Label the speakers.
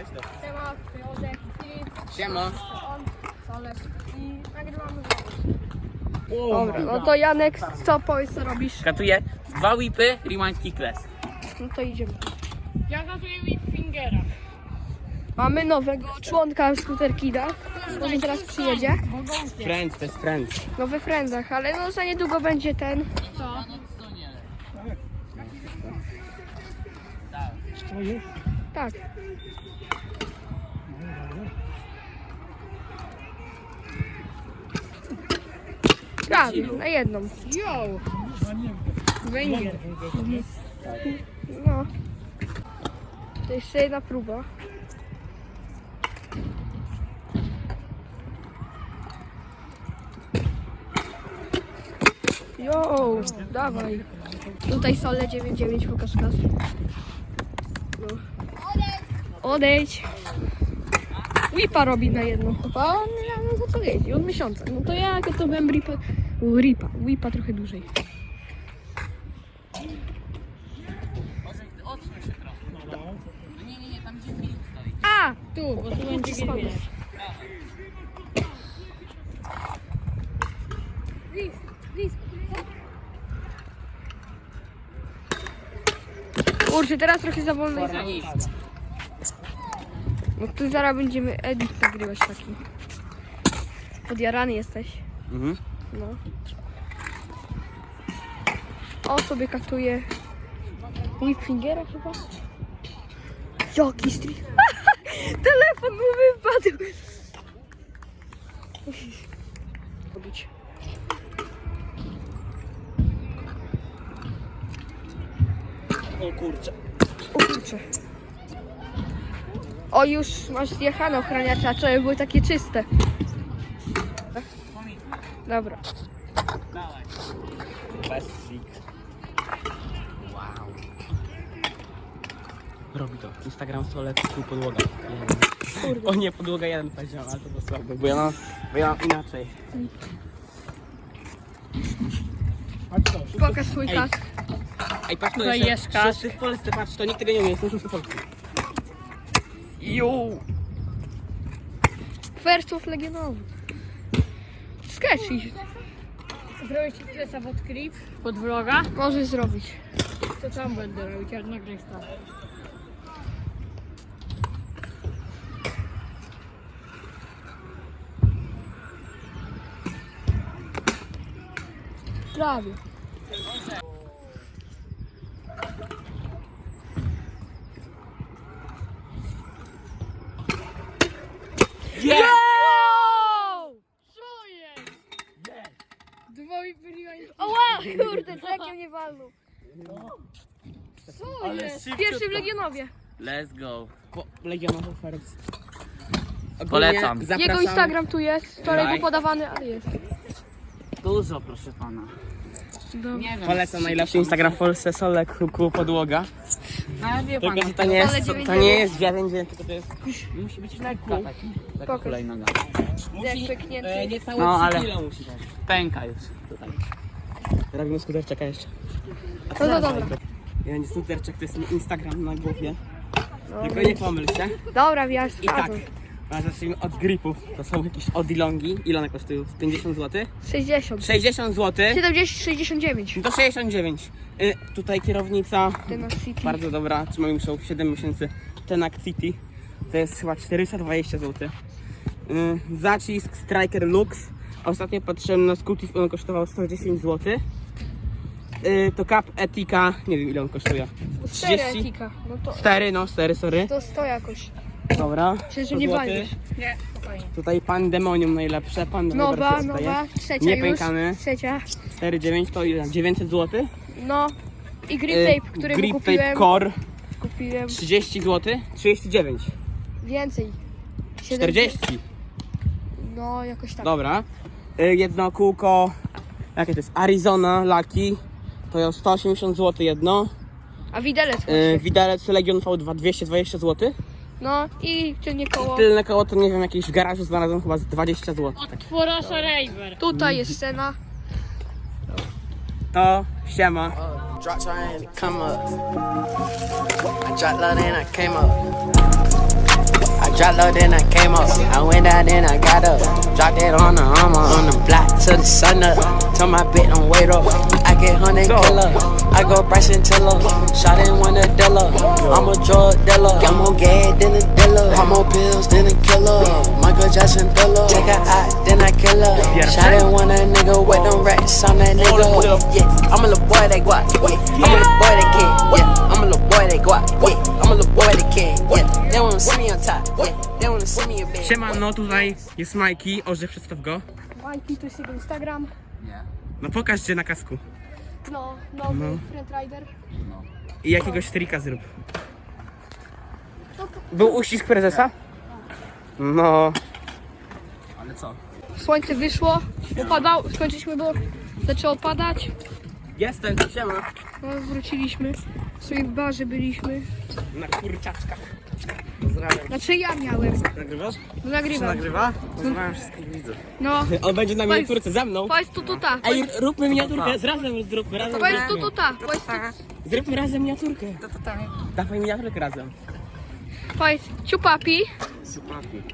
Speaker 1: Siema, Józef, Filip,
Speaker 2: Siema.
Speaker 1: on, Solek i nagrywamy.
Speaker 3: Dobra, no to Janek, co powiedz, co robisz?
Speaker 2: Katuję 2 whipy, rewind kickless.
Speaker 3: No to idziemy.
Speaker 1: Ja gazuję mi fingera.
Speaker 3: Mamy nowego członka Scooterkida. Może teraz przyjedzie.
Speaker 2: Friends, to jest friends.
Speaker 3: No we Friendsach, ale no za niedługo będzie ten.
Speaker 1: Co?
Speaker 3: Tak. Prawie, na jedną.
Speaker 1: Yo! Węgiel.
Speaker 3: No. To jeszcze jedna próba. Jo, dawaj. Tutaj sole 99 pokaż kas. No. Odejdź. Whipa robi na jedną chyba. On no za co jeździ? Od miesiąca. No to ja to byłem Whipa trochę dłużej.
Speaker 2: Odsuń się trochę. No nie, tam gdzie Filip stoi.
Speaker 3: A!
Speaker 1: Tu, bo tu będzie
Speaker 3: Spadł.
Speaker 1: Lis.
Speaker 3: Kurczę, teraz trochę za wolno jest.
Speaker 2: Nic.
Speaker 3: No tu zaraz będziemy edit nagrywać taki. Podjarany jesteś.
Speaker 2: Mhm.
Speaker 3: No. O, sobie katuje Whipfingera chyba. Jaki stream. Telefon mu wypadł. Musisz robić.
Speaker 2: O kurczę.
Speaker 3: O kurczę. O, już masz zjechane ochraniacze, a wczoraj były takie czyste. Dobra.
Speaker 2: Dawaj. Plastik. Wow. Robi to. Instagram Solek, tu podłoga.
Speaker 3: Kurde.
Speaker 2: O nie, podłoga 1 powiedział, ale to było słabe, bo ja mam inaczej.
Speaker 3: Pokaż swój
Speaker 2: Ej.
Speaker 3: kask.
Speaker 2: Ej, patrz, to
Speaker 1: Tutaj
Speaker 2: jeszcze
Speaker 1: jest kask.
Speaker 2: wszyscy w Polsce, patrz, to nikt tego nie umie, jestem szósty w Polsce.
Speaker 3: Jo. Wersów legionowych. Sketchy.
Speaker 1: Zrobić ci klesa pod klip, pod vloga.
Speaker 3: Możesz zrobić.
Speaker 1: To tam będę robić, jak nagrać to.
Speaker 3: Prawie.
Speaker 2: Yeah!
Speaker 1: Co jest? Dwoje byli.
Speaker 3: Oła, kurde, trakiem nie walnął.
Speaker 1: Co jest?
Speaker 3: Pierwszy w Legionowie.
Speaker 2: Let's go.
Speaker 4: Legionowy First.
Speaker 2: Polecam.
Speaker 3: Jego Instagram tu jest. Wczoraj był podawany, ale jest.
Speaker 2: Dużo, proszę pana. Nie wiem.
Speaker 4: Polecam najlepszy Instagram w Polsce, Solek, Huku, Podłoga.
Speaker 2: Ale wie
Speaker 4: Tylko,
Speaker 2: pan,
Speaker 4: że to nie jest,
Speaker 3: Ale
Speaker 4: to nie jest wiadomo, tylko to jest...
Speaker 2: musi być lekka taki. Taka
Speaker 3: Pokaż.
Speaker 2: hulajnoga.
Speaker 3: Jak pyknięty.
Speaker 4: niecałe
Speaker 2: No,
Speaker 4: 3
Speaker 2: ale-
Speaker 4: kilo musi dać.
Speaker 2: Pęka już tutaj.
Speaker 4: Robimy skuterczaka jeszcze.
Speaker 3: No to dobra.
Speaker 4: Ja nie skuterczak, to jest mój Instagram na głowie.
Speaker 3: No,
Speaker 4: Tylko nie pomyl się.
Speaker 3: dobra, wiesz,
Speaker 4: I tak, a zacznijmy od gripów. To są jakieś odilongi. Ile one kosztują? 50 zł?
Speaker 3: 60.
Speaker 4: 60 zł.
Speaker 3: 70, 69.
Speaker 4: To 69. Tutaj kierownica.
Speaker 3: Ten City.
Speaker 4: Bardzo dobra, trzymamy już 7 miesięcy. Tenac City to jest chyba 420 zł. Zacisk Striker Lux. Ostatnio patrzyłem na Scooty, on kosztował 110 zł. To Cap Etika, nie wiem ile on kosztuje.
Speaker 3: 4 etika. No to
Speaker 4: 4, sorry.
Speaker 3: to 100 jakoś.
Speaker 4: Dobra.
Speaker 3: Myślę, że
Speaker 4: 100
Speaker 3: nie
Speaker 4: złotych.
Speaker 3: walniesz.
Speaker 1: Nie, spokojnie.
Speaker 4: Tutaj Pandemonium najlepsze.
Speaker 3: Nowa, trzecia
Speaker 4: Nie
Speaker 3: już.
Speaker 4: pękamy.
Speaker 3: Trzecia.
Speaker 4: 4,9 to ile? 900 zł.
Speaker 3: No. I grip tape, który
Speaker 4: Grip
Speaker 3: kupiłem.
Speaker 4: Tape Core
Speaker 3: Kupiłem
Speaker 4: 30 zł. 39.
Speaker 3: więcej.
Speaker 4: 40.
Speaker 3: No, jakoś tak.
Speaker 4: Dobra. Jedno kółko. Jakie to jest? Arizona Lucky. To jest 180 zł jedno.
Speaker 3: A widelec właśnie.
Speaker 4: Widelec Legion V2 220 zł.
Speaker 3: No i tylnie koło.
Speaker 4: Tylne koło to nie wiem, jakieś w garażu znalazłem chyba z 20 zł.
Speaker 1: Od Forasa Raver.
Speaker 3: Tutaj jest scena.
Speaker 4: To siema.
Speaker 5: Drop trying to come up. I dropped low, then I came up. Drop low, then I came up. I went out, then I got up. Dropped it on the armor, on the block till the sun up. Tell my bitch don't wait up. I get 100 killer. I go Bryson Tiller. Shot in one of dealer. I'm a drug dealer. I'm more gay than a dealer. I'm more pills than a killer. Michael Jackson thriller. Take her out, then I kill her. Shot in one of nigga with them racks on that nigga. Yeah, I'm a little boy that go out. Yeah, I'm a little boy that kid. Yeah, I'm a little boy that go out. Yeah, I'm a little boy that kid. Yeah, they wanna see me on top. Yeah, they wanna see me in bed.
Speaker 4: Siemano, tutaj jest Majki. Orze, przedstaw go.
Speaker 3: Majki, to jest jego Instagram.
Speaker 4: No pokaż gdzie na kasku.
Speaker 3: No, nowy Friend Rider.
Speaker 4: I jakiegoś trika zrób. Był uścisk prezesa? No.
Speaker 2: Ale co?
Speaker 3: Słońce wyszło, skończyliśmy, bo zaczęło padać.
Speaker 4: Jestem, siema.
Speaker 3: No, wróciliśmy. Sobie w barze byliśmy.
Speaker 4: Na kurczaczkach. Pozdrawiam.
Speaker 3: Znaczy ja miałem.
Speaker 4: Nagrywasz?
Speaker 3: No, nagrywam.
Speaker 4: Nagrywa? Pozdrawiam wszystkich widzów.
Speaker 3: No,
Speaker 4: On będzie na miniaturce za mną.
Speaker 3: powiedz tu tuta.
Speaker 4: Ej, róbmy miniaturkę, razem zróbmy, razem
Speaker 3: Powiedz tu
Speaker 4: zróbmy.
Speaker 3: tuta.
Speaker 4: Zróbmy razem miniaturkę. Dawaj miniaturkę razem.
Speaker 3: Powiedz ciupapi.